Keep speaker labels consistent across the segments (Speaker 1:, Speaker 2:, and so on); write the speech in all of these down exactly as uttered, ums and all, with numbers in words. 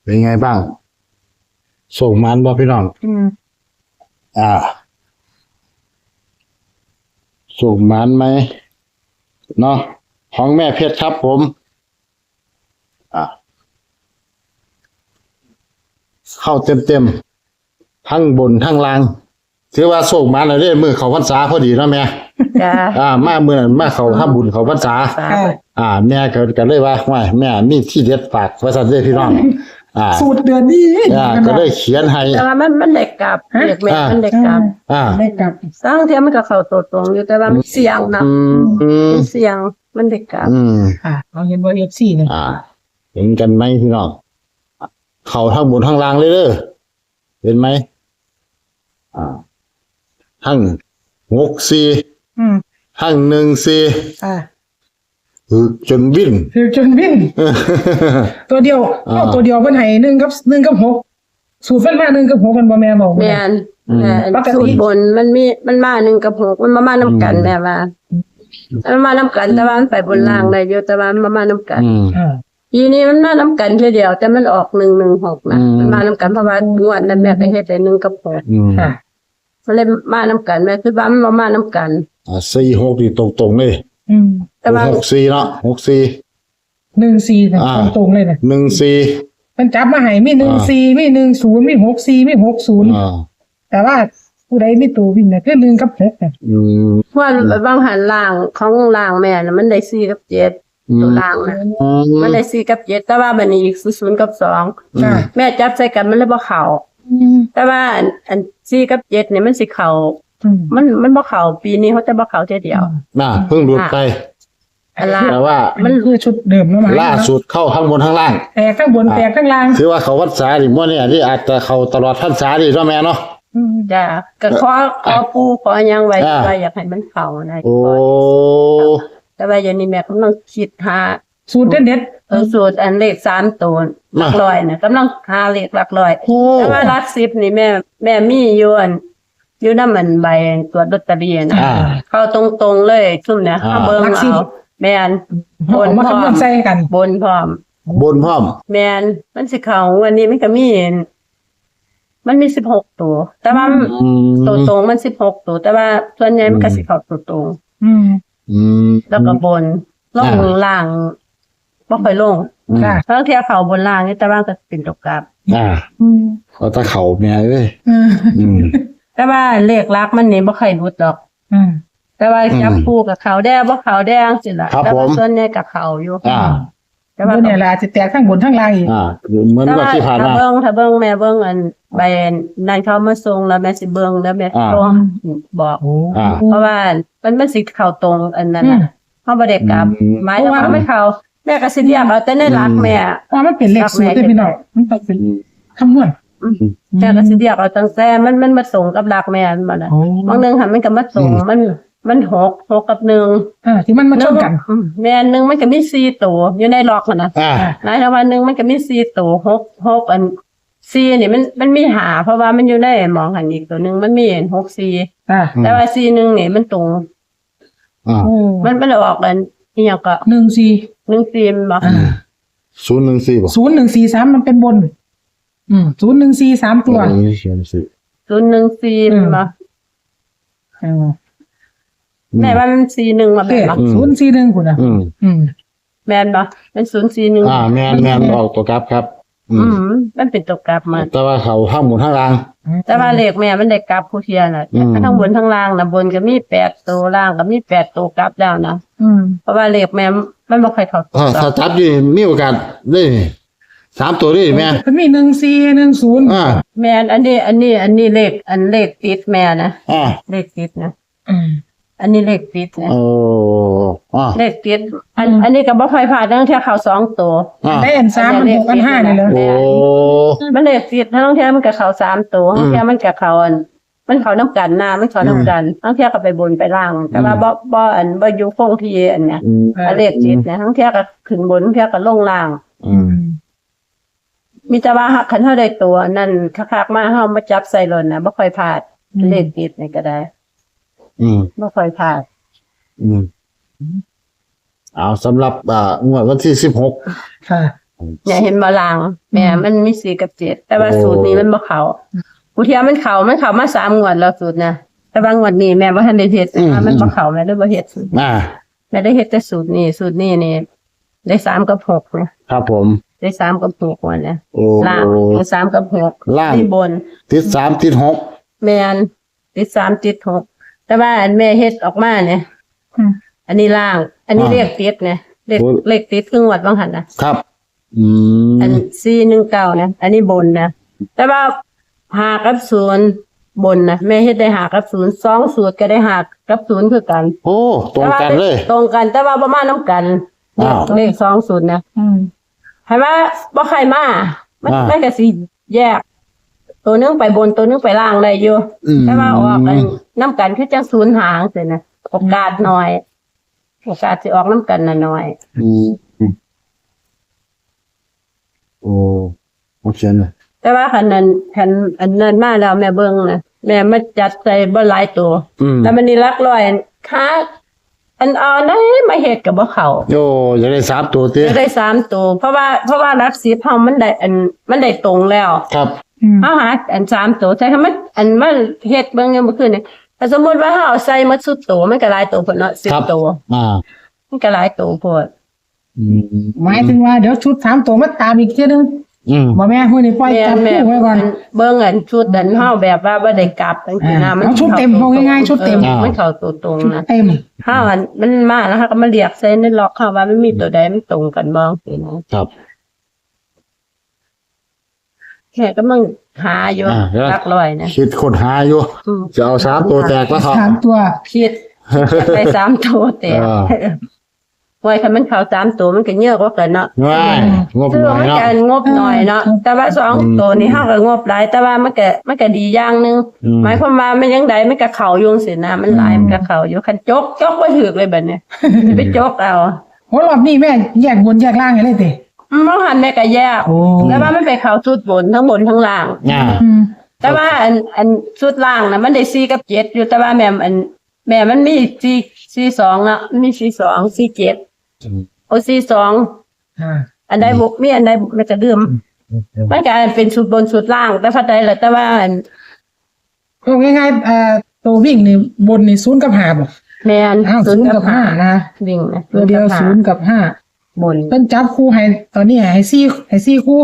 Speaker 1: เป็นไงบ้างส่งมันบ่พี่น้อง
Speaker 2: อืม
Speaker 1: อ่าส่งมันไหมเนาะของแม่เพชรครับผมอ่าเข้าเต็มเต็มๆทั้งบนทั้งล่างถือว่าส่งมันเลยเด้มือเขาพรรษาพอดีเนาะแม่
Speaker 2: จ้า
Speaker 1: อ่ามาเมื่อนั้นมาเขาทำบุญเขาพรรษา
Speaker 2: สา
Speaker 3: ค่ะ
Speaker 1: อ่าแม่ก็ก็เลยว่าว่าแม่มีที่เด็ดฝากไว้สั่นเด้อพี่น้องอ่า
Speaker 3: สูตรเดือนนี้
Speaker 1: อ่าก็เลยเขียนให้
Speaker 2: แต่ว่ามันมันเด็กกลับเด็กแม่
Speaker 1: อ่ามั
Speaker 2: มันเด็กกลับ
Speaker 1: อ่า
Speaker 3: ได้กลับ
Speaker 2: สร้างเทียมมันก็เข้าตัวตรงอยู่แต่ว่ามันเสี่ยงนะ
Speaker 1: อืมอืม
Speaker 2: มันเสี่ยงมันเด็กกลับ
Speaker 1: อืม
Speaker 3: ค่ะเราเห็นว่าเอฟซีเนี่ย
Speaker 1: อ่า เห็นกันไหมพี่น้องเขาทั้งบนทั้งล่างเลยเด้อเห็นไหมอ่าทั้งหกสี่
Speaker 3: อืม
Speaker 1: ทั้งหนึ่งสี่
Speaker 3: ค่ะ
Speaker 1: คือจนวิ่น
Speaker 3: คือจนวิ่งตัวเดียว
Speaker 1: อ่า
Speaker 3: เอาตัวเดียวเพิ่นให้หนึ่งกับหนึ่งกับหกสูตรเพิ่นมาหนึ่งกับหกกันบ่แม่บอก
Speaker 2: แม่น
Speaker 1: อืม
Speaker 2: แม่น
Speaker 3: ปกติ
Speaker 2: สูตรบนมันมีมันมาหนึ่งกับหกมันมามาน้ำกันแม่ว่ามันมาน้ำกันแต่ว่ามันไปบนล่างได้อยู่แต่ว่ามันมามาน้ำกัน
Speaker 1: อืม
Speaker 3: อ่า
Speaker 2: ปีนี้มันมาน้ำกันทีเดียวแต่มันออกหนึ่งหนึ่งหกนะ
Speaker 1: อืม
Speaker 2: มันมาน้ำกันเพราะว่างวดนั้นแม่ก็เฮ็ดได้หนึ่งกับหก
Speaker 1: อืม
Speaker 3: ค่ะ
Speaker 2: มันเลยมาน้ำกันแม่คือว่ามันมามาน้ำกัน
Speaker 1: อ่าสี่หกนี่ตรงๆเลย
Speaker 3: อืม
Speaker 2: แต่ว่า
Speaker 1: หกสี่เนาะหกสี่
Speaker 3: หนึ่งสี่เนี่ย
Speaker 1: อ่า
Speaker 3: ตรงๆเลยเนี่ย
Speaker 1: หนึ่งสี่
Speaker 3: มันจับมาให้มีหนึ่ง
Speaker 1: อ่า
Speaker 3: สี่มีหนึ่งศูนย์มีหกสี่มีหกศูนย์
Speaker 1: อ่า
Speaker 3: แต่ว่าผู้ใดมีตัววิ่งเนี่ยคือหนึ่งกับหกเนี่ย
Speaker 1: อืม
Speaker 2: เพราะว่าบางหันล่างของล่างแม่น่ะมันได้สี่กับเจ็ดตัวล่างนะ
Speaker 1: อืม
Speaker 2: มันได้สี่กับเจ็ดแต่ว่าบัดนี้อีกศูนย์กับสอง
Speaker 3: ค่ะ
Speaker 2: แม่จับใส่กันมันเลยบ่เข้า
Speaker 3: อืม
Speaker 2: แต่ว่าอันอันสี่กับเจ็ดเนี่ยมันสิเข้า
Speaker 3: อืม
Speaker 2: มันมันบ่เข้าปีนี้เขาจะบ่เข้าเทียเดียว
Speaker 1: น่ะเพิ่งหลุดไป
Speaker 2: อันล่าง
Speaker 1: แต่ว่า
Speaker 3: มันคือชุดเดิมเนาะหมาย
Speaker 1: ล่าสุดเข้าข้างบนข้างล่าง
Speaker 3: แตกข้างบนแตกข้างล่าง
Speaker 1: ถือว่าเขาวัดสาดิมั่วเนี่ยที่อาจจะเขาตลอดพรรษาดิเนาะแม่เนาะ
Speaker 3: อืม
Speaker 2: จ้ะก็ขอขอปู่ขอหยังไว้
Speaker 1: อ่า
Speaker 2: ว่าอยากให้มันเข้านะ
Speaker 1: โอ้
Speaker 2: แต่ว่าอย่างนี้แม่กำลังคิดหา
Speaker 3: สูตรเด็ด
Speaker 2: เออสูตรอันเลขสามตัวหลักร้อยน่ะกำลังหาเลขหลักร้อย
Speaker 1: โอ้
Speaker 2: แต่ว่าหลักสิบนี่แม่ แม่มีอยู่อันอยู่นำมันใบตรวจลอตเตอรี่นะ
Speaker 1: อ่า
Speaker 2: เข้าตรงๆเลยซุ่มเนี่ย
Speaker 1: อ่า
Speaker 2: เอาเบิ่งเอาแม่น
Speaker 3: ๆเอามาคำนวณใส่กัน
Speaker 2: บนพร้อม
Speaker 1: บนพร้อม
Speaker 2: แม่นมันสิเข้าวันนี้มันก็มีมันมีสิบหกตัว แต่ว่า
Speaker 1: อืม
Speaker 2: ตัวตรงมันสิบหกตัว แต่ว่าส่วนใหญ่มันก็สิเข้าตัวตรง
Speaker 3: อืม
Speaker 1: อืม
Speaker 2: แล้วก็บนล่อง
Speaker 1: อ่า
Speaker 2: ล่างบ่ค่อยลง
Speaker 3: ค่ะ
Speaker 2: ทั้งเที่ยเข้าบนล่างนี่แต่ว่าก็เป็นตกกลับ
Speaker 1: อ่า
Speaker 3: อืม
Speaker 1: เขาตะเข่าแม่เอ้ย
Speaker 3: อืม
Speaker 1: อืม
Speaker 2: แต่ว่าเลขลักมันนี่บ่ค่อยรุดดอก
Speaker 3: อืม
Speaker 2: แต่ว่าจับ
Speaker 1: อืม
Speaker 2: คู่กับเขาแดงบ่เขาแดงสิล่ะ
Speaker 1: ครับ
Speaker 2: แต่ว่า
Speaker 1: ผม
Speaker 2: ส่วนใหญ่กับเขาอยู่
Speaker 1: อ่า
Speaker 2: แต่ว่า
Speaker 3: บนเนี่ยล่ะจะแตกข้างบนข้างล่างอีก
Speaker 1: อ่าเหมือน
Speaker 2: แต่
Speaker 1: กับ
Speaker 2: ว่า
Speaker 1: ที่ผ่าน
Speaker 2: ถ้า
Speaker 1: มา
Speaker 2: เบิ่งถ้าเบิ่งแม่เบิ่งอันใบนั้นเขามาส่งแล้วแม่สิเบิ่งแล้วแม่
Speaker 1: อ่า
Speaker 2: โทรบอก
Speaker 3: โอ้
Speaker 1: อ่า
Speaker 2: เพราะว่ามันมันสิเข้าตรงอันนั้นน่ะเฮาบ่ได้กลับ
Speaker 1: อืม
Speaker 2: หมายถึงว่าไม่เข้าแม่ก็สิเรียกเอาแต่ในหลักแม่
Speaker 3: ว่ามันเป็นเลขสูตรได้พี่น้องมันต้องเป็นคำนวณ
Speaker 2: อืมแม่ก็สิเรียกเอาตั้งแต่มันมันมาส่งกับหลักแม่มันบ่น่ะ
Speaker 3: โอ้
Speaker 2: บางนึงค่ะมันก็มาส่งมันมันหกหกกับหนึ่ง
Speaker 3: อ่าที่มันมาชนกัน
Speaker 2: อืมแม่นหนึ่งมันก็มีสี่ตัวอยู่ในล็อกน่ะนะ
Speaker 1: อ่า
Speaker 2: นายทวันหนึ่งมันก็มีสี่ตัวหกหกอันสี่นี่มันมันมีหาเพราะว่ามันอยู่ในหมองหันอีกตัวหนึ่งมันมีหกสี่
Speaker 3: อ่า
Speaker 2: แต่ว่าสี่หนึ่งนี่มันตรง
Speaker 1: อ่า
Speaker 3: โอ้
Speaker 2: มันมันออกกันอีหยังก็
Speaker 3: หนึ่งสี่
Speaker 2: หนึ่งสี่มันบอก
Speaker 3: อ่า
Speaker 1: ศูนย์หนึ่งสี่บ่
Speaker 3: ศูนย์หนึ่งสี่สามมันเป็นบน อืมศูนย์หนึ่งสี่สามตัว
Speaker 1: เออศูนย์สี่
Speaker 2: ศูนย์หนึ่งสี่มันบอก
Speaker 3: อืม
Speaker 2: แม่ว่ามันสี่หนึ่งมา
Speaker 3: โอ
Speaker 2: แบ
Speaker 3: เค
Speaker 2: บบอก
Speaker 3: ศูนย์สี่หนึ่งคุณอ่ะ
Speaker 1: อืม
Speaker 3: อืม
Speaker 2: แม่นบอกเป็นศูนย์สี่หนึ่ง
Speaker 1: อ่าแม่นแม่นออกตัวกลับครับ อื
Speaker 2: อื
Speaker 1: ม
Speaker 2: มมันเป็นตัวกลับมา
Speaker 1: แต่ว่าเขาข้างบนข้างล่าง
Speaker 2: แต่ว่าเลขแม่มันได้กลับผู้เทียน่ะ
Speaker 1: อืม
Speaker 2: ทั้งบนทั้งล่างนะบนก็มีแปดตัวล่างก็มีแปดตัวกลับแล้วนะ
Speaker 3: อืม
Speaker 2: เพราะว่าเลขแม่มันบ่ค่อยเข้าตัว
Speaker 1: ถ้าถ้าจับอยู่มีโอกาสได้สามตัวได้แม่
Speaker 3: มันมีหนึ่งสี่หนึ่งศูนย์
Speaker 1: อ่า
Speaker 2: แม่นอันนี้ อันนี้ อันนี้เลขอันเลขติดแม่นะ
Speaker 1: อ่า
Speaker 2: เลขติดนะ
Speaker 3: อืม
Speaker 2: อันนี้เลขติดนะ
Speaker 1: โอ้อ่า
Speaker 2: เลขติดอัน
Speaker 3: อืม
Speaker 2: อันนี้ก็บ่ค่อยพลาดตั้งแต่เข้าสองตัว
Speaker 1: อ่า
Speaker 3: ได้อันสามอันหกอันห้านี่เลย
Speaker 1: โอ้
Speaker 2: มันเลขติดทั้งเที่ยมันก็เข้าสามตัวทั้งเที่ยมันก็เข้าอัน มันเข้าน้ำกันนะมันเข้าน้ำกันทั้งเที่ยก็ไปบนไปล่าง แต่ว่าบ่บ่อันบ่อยู่คงที่อันเนี้ย
Speaker 1: อืม
Speaker 2: อันเลขติดนะทั้งเที่ยก็ขึ้นบนทั้งเที่ยก็ลงล่าง
Speaker 1: อืม
Speaker 2: มีแต่ว่าคันเฮาได้ตัวนั่นคักๆมาเฮามาจับใส่รถน่ะบ่ค่อยพลาดเลขติดนี่ก็ได้
Speaker 1: อืม
Speaker 2: บ่ค่อยพลาด
Speaker 1: อืมเอาสำหรับอ่างวดวันที่สิบหก
Speaker 3: ค่ะ
Speaker 2: เนี่ยเห็นบาลางแม่มันมีสี่กับเจ็ดแต่ว่า
Speaker 1: โอ้
Speaker 2: สูตรนี้มันบ่เขากูเทียมันเขามันเขามาสามงวดแล้วสูตรนะแต่บางงวดนี้แม่บ่ทันได้เฮ็ดนะคะมันบ่เขาแม่ได้บ่เฮ็ดสูตร
Speaker 1: อ่า
Speaker 2: แม่ได้เฮ็ดแต่สูตรนี้สูตรนี้นี่ได้สามกับหกนะครับ
Speaker 1: ผม
Speaker 2: ได้สามกับหกวันเนี่ย
Speaker 1: โอ้
Speaker 2: ล่างได้สามกับหก
Speaker 1: ล่าง
Speaker 2: ที่บน
Speaker 1: ติดสามติดหก
Speaker 2: แม่นติดสามติดหกแต่ว่าอันแม่เฮ็ดออกมาเนี่ย
Speaker 3: อืม
Speaker 2: อันนี้ล่าง อันนี้เลขติดเนี่ยเลขเลขติดครึ่งวัดบางหันนะครับ
Speaker 1: อืม
Speaker 2: อันสี่หนึ่งเก้านะอันนี้บนนะแต่ว่าหากับศูนย์บนนะแม่เฮ็ดได้หากับศูนย์สองสูตรก็ได้หากับศูนย์คือกัน
Speaker 1: โอ้ตรงกันเลย
Speaker 2: ตรงกันแต่ว่าประมาณน้ำกัน
Speaker 1: อ้าว
Speaker 2: เลขสองศูนย์นะ
Speaker 3: อืม
Speaker 2: ให้ว่าบ่ใครมามัน
Speaker 1: อ่า
Speaker 2: มันก็สิแยก ตัวหนึงไปบนตัวหนึงไปล่างได้อยู่
Speaker 1: อืม
Speaker 2: แต่ว่าออกกันน้ำกันคือจังศูนย์หางเสียนะโอกาสน้อยโอกาสสิออกน้ำกันน่ะน้อย
Speaker 1: อืมอืมโอ้โอเคเลย
Speaker 2: แต่ว่าคันนั้นคันอันนั้นมาแล้วแม่เบิ่งนะแม่มาจัดใส่บ่หลายตัว
Speaker 1: อืม
Speaker 2: แล้วมันนี่หลักร้อยค่าอันเอาได้มาเฮ็ดกับบ่เข้า
Speaker 1: โอ้อยากได้สามตัวเตี้ย
Speaker 2: จะได้สามตัวเพราะว่าเพราะว่าหลักสิบเฮามันได้อันมันได้ตรงแล้ว
Speaker 1: ครับ
Speaker 3: อืม
Speaker 2: เฮาหาอันสามตัวใช่คำมันอันมันเฮ็ดเบิ่งเมื่อคืนนี่ถ้าสมมุติว่าเฮาเอาใส่หมดสุดตัวมันก็หลายตัวพุ่นเนาะสิบ
Speaker 1: ครับ
Speaker 2: ตัว
Speaker 1: อ่า
Speaker 2: มันก็หลายตัวพุ่น
Speaker 1: อืม
Speaker 3: หมายถึงว่าเดี๋ยวชุดสามตัวมาตามอีกเที่ยนึง
Speaker 1: อืม
Speaker 3: บ่แม่มื้อนี้ปล่อย
Speaker 2: แม่
Speaker 3: จับ
Speaker 2: แม่
Speaker 3: คู่ไว้ก่อน
Speaker 2: เบิ่งอันชุดอันเฮาแบบว่าบ่ได้กลับจังซี่นะ
Speaker 3: อ่า
Speaker 2: มัน
Speaker 3: เอาชุดเต็ม
Speaker 2: ข้
Speaker 3: เอาง่ายๆชุดเต็ม
Speaker 2: ออมันเข้าตัวตรงนะ
Speaker 3: เต็ม
Speaker 2: เฮาอันมันมาแล้วเฮาก็มาเรียกใส่ในล็อกเฮาว่ามันมีตัวใดมันตรงกันบ่สินะครับ แค่ก็มึงหาอยู่
Speaker 1: อ่าแล้ว
Speaker 2: หลักร้อยนะ
Speaker 1: คิดคนหาอยู่
Speaker 2: อืม
Speaker 1: จะเอาสามตัวแตกแล้วเถอะ
Speaker 3: สามตัว
Speaker 2: ผิดไปสามตัวแต่
Speaker 1: อ่า
Speaker 2: ไว้คันมันเข้าสามตัวมันก็เยอะกว่ากันเนาะ
Speaker 1: ง่ายงบ
Speaker 2: คือ
Speaker 1: หน่อย
Speaker 2: มัน
Speaker 1: เนาะ
Speaker 2: จะงบหน่อยเนาะแต่ว่าสองตัวนี่เฮาก็งบหลายแต่ว่ามันก็มันก็ดีอย่างหนึง
Speaker 1: อืม
Speaker 2: หมายความว่ามันยังไดมันก็เข้าอยู่สินะมันหลายมันก็เข้าอยู่คันจกจกบ่ถูกเลยบัดเนี้ยสิไปจกเอา
Speaker 3: โหรอบนี้แม่แยกบนแยกล่างให้เลยติ
Speaker 2: มันหันแม่ก็แยก
Speaker 3: โอ้
Speaker 2: แต่ว่ามันไปเข้าชุดบนทั้งบนทั้งล่าง
Speaker 1: อ่า
Speaker 3: อืม
Speaker 2: แต่ว่าอันอันชุดล่างน่ะมันได้สี่กับเจ็ดอยู่แต่ว่าแม่มอันแม่มันมีสี่สี่สองเนาะมันมีสี่สองสี่เจ็ดโอ้สี่สอง
Speaker 3: อ่า
Speaker 2: อันใดบุกมีอันใดบุกมันจะลืมมันก็เป็นชุดบนชุดล่าง แต่พัดใดแหละแต่ว่าอัน
Speaker 3: เอาง่ายๆอ่าตัววิ่งนี่บนนี่ศูนย์กับห้าบ่
Speaker 2: แม่น
Speaker 3: อ้าวศูนย์กับห้านะ
Speaker 2: วิ่งนะ
Speaker 3: ตัวเดียวศูนย์กับห้า
Speaker 2: บน
Speaker 3: เพิ่นจับคู่ให้ตอนนี้ให้สี่ให้สี่คู่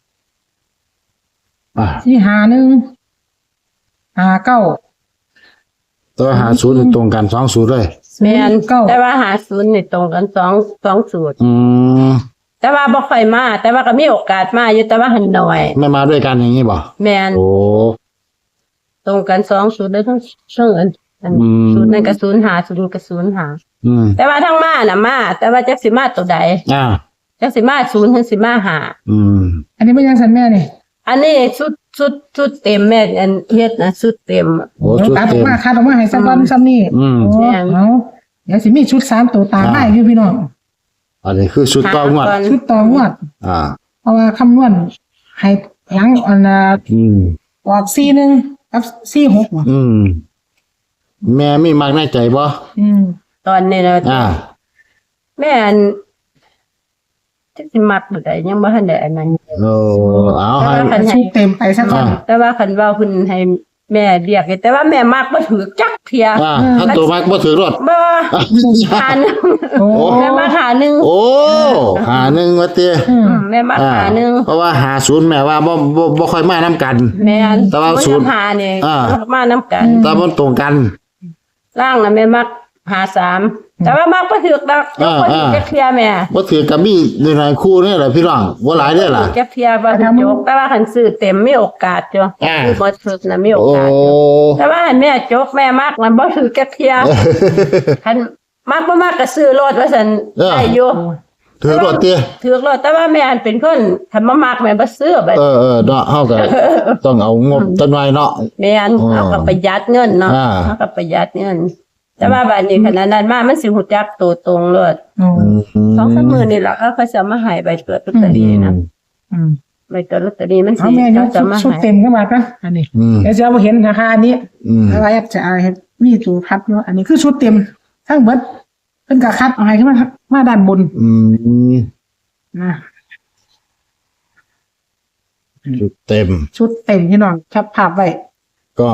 Speaker 1: อ่า
Speaker 3: สี่หาหนึ่งหาเก้า
Speaker 1: ตัวหาศูนย์ตรงกันสองศูนย์เลย
Speaker 2: แม่น
Speaker 3: เก้า
Speaker 2: แต่ว่าหาศูนย์นี่ตรงกันสองสองสูตร
Speaker 1: อืม
Speaker 2: แต่ว่าบ่ค่อยมาแต่ว่าก็มีโอกาสมาอยู่แต่ว่าหันน้อย
Speaker 1: ไม่มาด้วยกันอย่างนี้บ่
Speaker 2: แม่น
Speaker 1: โอ้
Speaker 2: ตรงกันสองสูตรได้ทั้งทั้งอันอัน
Speaker 1: อืม
Speaker 2: สูตรนั้นก็ศูนย์หาสูตรนี้ก็ศูนย์หา
Speaker 1: อืม
Speaker 2: แต่ว่าทั้งมาน่ะมาแต่ว่าจักสิมาตัวใด
Speaker 1: อ่า
Speaker 2: จักสิมาศูนย์ถึงสิมาหา
Speaker 1: อืม
Speaker 3: อันนี้เป็นยังสันแม่นี่
Speaker 2: อันนี้ชุดชุดชุดเต็มแม่อันเฮ็ดนะชุดเต็ม
Speaker 1: โอ้ชุด
Speaker 3: ตัดออ
Speaker 1: เต็
Speaker 3: ก
Speaker 1: ม
Speaker 3: มาคัดออกมาให้สักวันซ้ำนี่
Speaker 1: อืม
Speaker 3: โอ้
Speaker 2: แม่น
Speaker 3: เอาเดี๋ยวสิมีชุดสามตัวตามได้อยู่พี่น้อง
Speaker 1: อันนี้คือชุดต่องวด
Speaker 2: หาก่อน
Speaker 3: ชุดต่องวด
Speaker 1: อ่า
Speaker 3: เพราะว่าคำนวณให้หลังอันน่ะ
Speaker 1: อืม
Speaker 3: ออกสี่หนึ่งกับสี่หกว่ะ
Speaker 1: อืม แม่มีมากในใจบ่
Speaker 3: อืม
Speaker 2: ตอนนี้นะ
Speaker 1: อ่า
Speaker 2: แม่อันจักสิมักบ่ได้ยังบ่ทันได้อันนั้น
Speaker 1: โอ้เอาให้
Speaker 2: แต่ว่าคัน
Speaker 3: ชุดเต็มไปสักวัน
Speaker 1: อ่า
Speaker 2: แต่ว่าคันว่าเพิ่นให้แม่เรียกแต่ว่าแม่มักบ่ถือจักเที่ย
Speaker 1: อ่าถ้าตัวมากบ่ถือรถ
Speaker 2: บ่หาหนึง
Speaker 3: โอ้
Speaker 2: แม่มาหาหนึง
Speaker 1: โอ้หาหนึ่งวะเตี้ย
Speaker 3: อืม
Speaker 2: อืมแม่มา
Speaker 1: อ่า
Speaker 2: หาหนึง
Speaker 1: เพราะว่าหาศูนย์แม่ว่าบ่บ่บ่ค่อยมานํกัน
Speaker 2: แม่น
Speaker 1: แต่ว่าศูนย์
Speaker 2: หานี่
Speaker 1: อ่า
Speaker 2: มานํกัน
Speaker 1: แต่มันตรงกัน
Speaker 2: ล่างน่ะแม่มักหาสามแต่ว่ามักบ่ถือดอก
Speaker 1: อ่า
Speaker 2: บ่ถือ
Speaker 1: อ่า
Speaker 2: จักเที่ยแม่
Speaker 1: บ่ถือกับมีในหลายคู่นี่แหละพี่น้องบ่หลายเด้อล่ะ
Speaker 2: จักเที่ยบ่ถือจกแต่ว่าคันซื้อเต็มมีโอกาสจ้ะ
Speaker 1: อ่า
Speaker 2: ซื้อบ่ถือน่ะมีโอ
Speaker 1: โอ้
Speaker 2: กาสจ้ะแต่ว่าแม่จกแม่มักมันบ่ถือจักเที่ยคันมักบ่มักก็ซื้อรถว่าซั่น
Speaker 1: เออ
Speaker 2: ได้อยู่
Speaker 1: ถือรถเตี้ย
Speaker 2: ถือรถแต่ว่าแม่อันเป็นคนคันบ่มักแม่บ่ซื้อบัด
Speaker 1: เออเออเนาะเฮาก็ต้องเอางบจักหน่อยเนาะ
Speaker 2: แม่น
Speaker 1: อ๋อ
Speaker 2: เอาก็ประหยัดเงินเนาะ
Speaker 1: อ่า
Speaker 2: เอาก็ประหยัดเงิน แต่ว่าบัดนี้ขนาดนั้นมามันสิฮู้จักตัวตรงเลย
Speaker 3: โอ้
Speaker 2: สองสามมื้อนี่ล่ะเขาจะมาให้ใบเกิดลอตเตอรี่นะ
Speaker 3: อืม
Speaker 2: ใบเกิดลอตเตอรี่มัน
Speaker 3: เอา
Speaker 2: สิ
Speaker 3: แม่ย
Speaker 2: เขา
Speaker 3: ก
Speaker 2: จะ
Speaker 3: ชุด
Speaker 2: มา
Speaker 3: ชุด
Speaker 2: ให้
Speaker 3: เต็มขึ้นมากันอันนี้
Speaker 1: อืม
Speaker 3: เดี๋ยวจะเอาเห็นราคาอันนี้
Speaker 1: อืม
Speaker 3: อะไรจะเอาให้มีตัวคัดเนาะอันนี้คือชุดเต็มทั้งเบิดเพิ่นก็คัดเอาให้ขึ้นมามาด้านบน
Speaker 1: อืม
Speaker 3: นะ
Speaker 1: ชุดเต็ม
Speaker 3: ชุดเต็มพี่น้องแคปภาพไว้
Speaker 1: ก็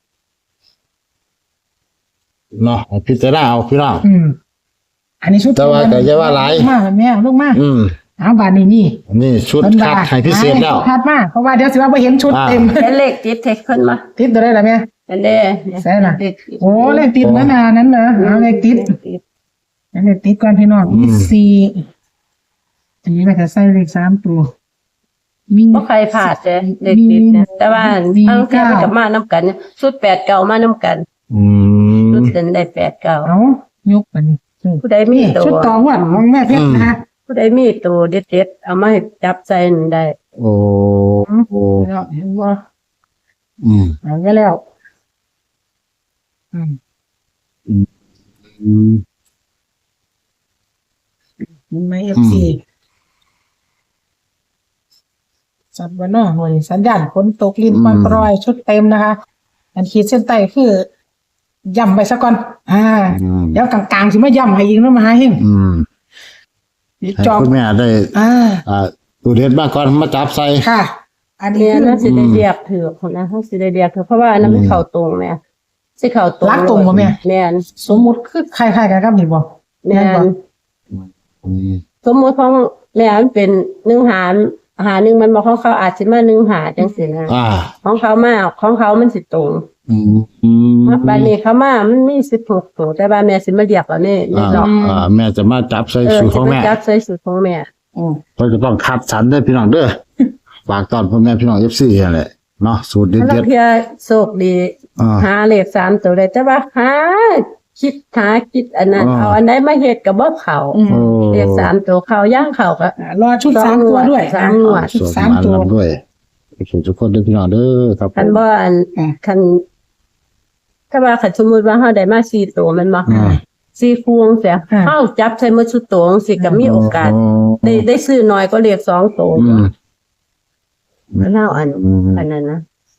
Speaker 1: เนาะพิจารณาเอาพี่น้อง
Speaker 3: อืม อันนี้ชุด
Speaker 1: แต่ว่าก็อย่าว่าหลาย
Speaker 3: มาแม่ลูกมา
Speaker 1: อืม
Speaker 3: เอาบาดนี้นี่
Speaker 1: นี่ชุด
Speaker 3: เพิ่น
Speaker 1: คั
Speaker 3: ว่า
Speaker 1: ดให้พิเศษแล้ว
Speaker 3: คัดมาเพราะว่าเดี๋ยวสิว่าบ่เห็นชุด
Speaker 1: อ่า
Speaker 3: เต็ม
Speaker 2: เป็นเลขติดเทคเพิ่นมา
Speaker 3: ติดตัวได้ล่ะแม่
Speaker 2: อันเด้
Speaker 3: ใช่ล่ะ
Speaker 2: เลขติด
Speaker 3: โอ้เลขติดนั้นน่ะนั้นเหรอเอาเลขติด
Speaker 2: ติด
Speaker 3: อันเลขติดก่อนพี่น้อง
Speaker 1: อืม
Speaker 3: มีสี่อันนี้มันจะใส่เลขสามตัวมี
Speaker 2: บ่ใครพลาดเลยเลขติดเนี่ยแต่ว่า
Speaker 3: มี
Speaker 2: ทางเทียมัน
Speaker 3: เก้า
Speaker 2: กับมานํกันเนี่ยชุดแปดเก่ามานํกัน
Speaker 1: อืม
Speaker 2: ชุดเดินได้แปดเก่า
Speaker 3: เอายกอันนี้
Speaker 2: ผู้ใดมี
Speaker 3: นี่
Speaker 2: ตัว
Speaker 3: ชุดตองวัดของแม่เพชรนะคะ
Speaker 2: ผู้ใดมีตัวเด็ดๆเอามาให้จับใจนั่นได้
Speaker 1: โอ้โอ้
Speaker 3: แล้วเห็นว่า
Speaker 1: อืม
Speaker 3: เอาไว้แล้ว อืม
Speaker 1: อืม
Speaker 3: เห็นไหมเอฟซีสัตว์วันนอกหน่วยสัญญาณฝนตกลินปอนปลอยชุดเต็มนะคะ อันขีดเส้นใต้คือย่ำไปซะก่อน อ่า
Speaker 1: อืม
Speaker 3: เดี๋ยวกลางๆสิมาย่ำให้ยิงแล้วมาหาเฮง
Speaker 1: อืม
Speaker 3: นี่
Speaker 1: ให้
Speaker 3: จอบ
Speaker 1: คุณแม่ได้
Speaker 3: อ่า
Speaker 1: อ่าตูเด็ดมากก่อนมาจับใส่
Speaker 3: ค่ะ อันนี้
Speaker 2: เนี่ย
Speaker 3: คือ
Speaker 2: น่าสิได้เรียกถือคนนะเขาสิได้เรียกถือเพราะว่าอันนั้นมันเข้าตรงแม่สิเข้าตรง
Speaker 3: รักตรงบ่แม่
Speaker 2: แม่น
Speaker 3: สมมุติคือคล้ายๆกันครับนี่บ่
Speaker 2: แม่น
Speaker 1: อืม
Speaker 2: สมมุติของแม่มันเป็นหนึ่งหารหาหนึ่งมันบอกของเขาอาจสิมาหนึ่งหาจังซี่นะ
Speaker 1: อ่า
Speaker 2: ของเขามาของเขามันสิตรง
Speaker 1: อืมอืม
Speaker 2: บานนี้เขามามันมีสิบหกตัวแต่บานแม่สิมาเรียกเอานี่นี่
Speaker 1: อ่า
Speaker 2: ดอก
Speaker 1: อ่าแม่จะมาจับใส่
Speaker 2: เออ
Speaker 1: สูตร
Speaker 2: สิ
Speaker 1: ของ
Speaker 2: มา
Speaker 1: แม่
Speaker 2: จับใส่สูตรของแม่
Speaker 3: อืม
Speaker 1: เราจะต้องคัดสรรเด้อพี่น้องเด้อฝากตอนพ่อแม่พี่น้องเอฟซีนั่นแหละเนาะสูตรเด็
Speaker 2: ถ้าเรา
Speaker 1: ด
Speaker 2: เพียโชคดี
Speaker 1: ๆอ่า
Speaker 2: หาเลขสามตัวได้แต่ว่าหาคิดหาคิดอันนั้น
Speaker 1: อ่า
Speaker 2: เอาอันไหนมาเฮ็ดก็บ่เข้า
Speaker 3: อืม
Speaker 1: โอ้
Speaker 2: เลขสามตัวเข้าย่างเข้าก็
Speaker 3: อ่ารอชุดสามตัวด้วย
Speaker 2: สามหนวด
Speaker 3: ชุด
Speaker 1: สวด
Speaker 3: สาม
Speaker 1: มา
Speaker 3: ตัว
Speaker 1: ลำด้วยโอเคทุกคนเด้อพี่น้องเด้อครับ
Speaker 2: คันบ่อัน
Speaker 3: อ่า
Speaker 2: คันถ้าว่าคันสมมุติว่าเฮาได้มาสี่ตัวแมันบ่
Speaker 1: อ่า
Speaker 2: สี่คู่จังซี่
Speaker 3: อ่า
Speaker 2: เฮาจับใส่หมดชุดตัวจังซี่ก็มีโอกาส ได้ได้ซื้อน้อยก็เลขสองตัว
Speaker 1: อืม
Speaker 2: มันเฮาอัน
Speaker 1: อืม
Speaker 2: อันนั้นนะ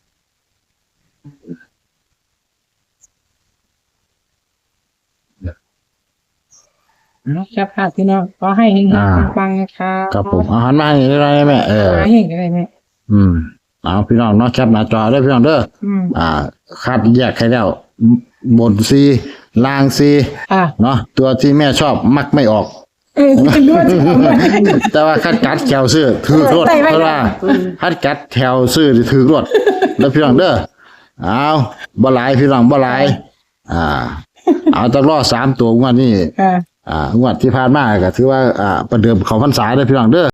Speaker 3: ครับค่ะพี่น้องก็ให้เฮง
Speaker 1: อ่า
Speaker 3: ๆปังๆนะคะ
Speaker 1: ครับผมอาหารมาให้ได้ไหมแม่เออ
Speaker 3: หาเฮงอะไรแม่
Speaker 1: อืมเอาพี่น้องเนาะแคปหน้าจอเด้อพี่น้องเด้อ
Speaker 3: อืม
Speaker 1: อ่าคัดแยกให้แล้วบนซีล่างซี
Speaker 3: อ่า
Speaker 1: เนาะตัวที่แม่ชอบมักไม่ออก
Speaker 3: เออคุณรู้ว่าจะทำอะไร
Speaker 1: แต่ว่าคัดกัดแถวซื้อถือรถ
Speaker 3: ใส่ไว้
Speaker 1: เพราะว่าคัดกัดแถวซื้อถือรถแล้วพี่น้องเด้อเอาบ่หลายพี่น้องบ่หลายอ่า เอาต้องรอสามตัวงวดนี้
Speaker 3: อ่า
Speaker 1: อ่างวดที่ผ่านมาก็ถือว่าอ่าประเดิมเขาพรรษาเด้อพี่น้องเด้อ